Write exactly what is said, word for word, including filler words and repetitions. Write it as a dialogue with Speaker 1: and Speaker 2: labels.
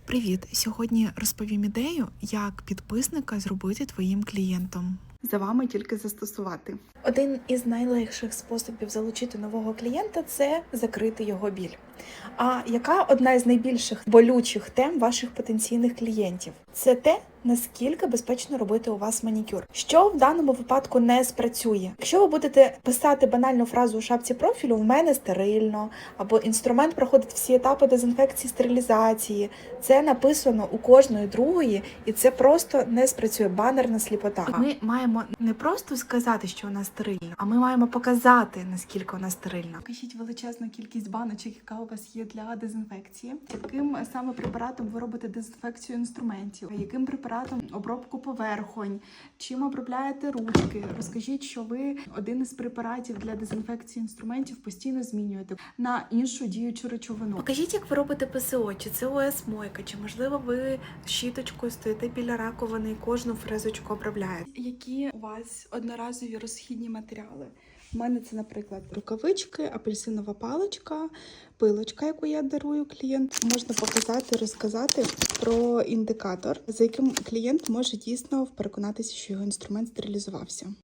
Speaker 1: Привіт! Сьогодні розповім ідею, як підписника зробити твоїм клієнтом.
Speaker 2: За вами тільки застосувати.
Speaker 1: Один із найлегших способів залучити нового клієнта – це закрити його біль. А яка одна із найбільших болючих тем ваших потенційних клієнтів? Це те, наскільки безпечно робити у вас манікюр. Що в даному випадку не спрацює? Якщо ви будете писати банальну фразу у шапці профілю «в мене стерильно», або інструмент проходить всі етапи дезінфекції, стерилізації, це написано у кожної другої, і це просто не спрацює, банерна сліпота. Ми маємо не просто сказати, що вона стерильна, а ми маємо показати, наскільки вона стерильна.
Speaker 2: Покажіть величезну кількість баночок, яка у вас є для дезінфекції. Яким саме препаратом ви робите дезінфекцію інструментів? Яким препаратом обробку поверхонь? Чим обробляєте ручки? Розкажіть, що ви один із препаратів для дезінфекції інструментів постійно змінюєте на іншу діючу речовину.
Speaker 1: Покажіть, як ви робите ПСО, чи це ОС-мойка, чи, можливо, ви щіточкою стоїте біля раковини і кожну фрезочку обробляєте.
Speaker 2: Які у вас одноразові розхідні матеріали? У мене це, наприклад, рукавички, апельсинова паличка, пилочка, яку я дарую клієнту. Можна показати, розказати про індикатор, за яким клієнт може дійсно переконатися, що його інструмент стерилізувався.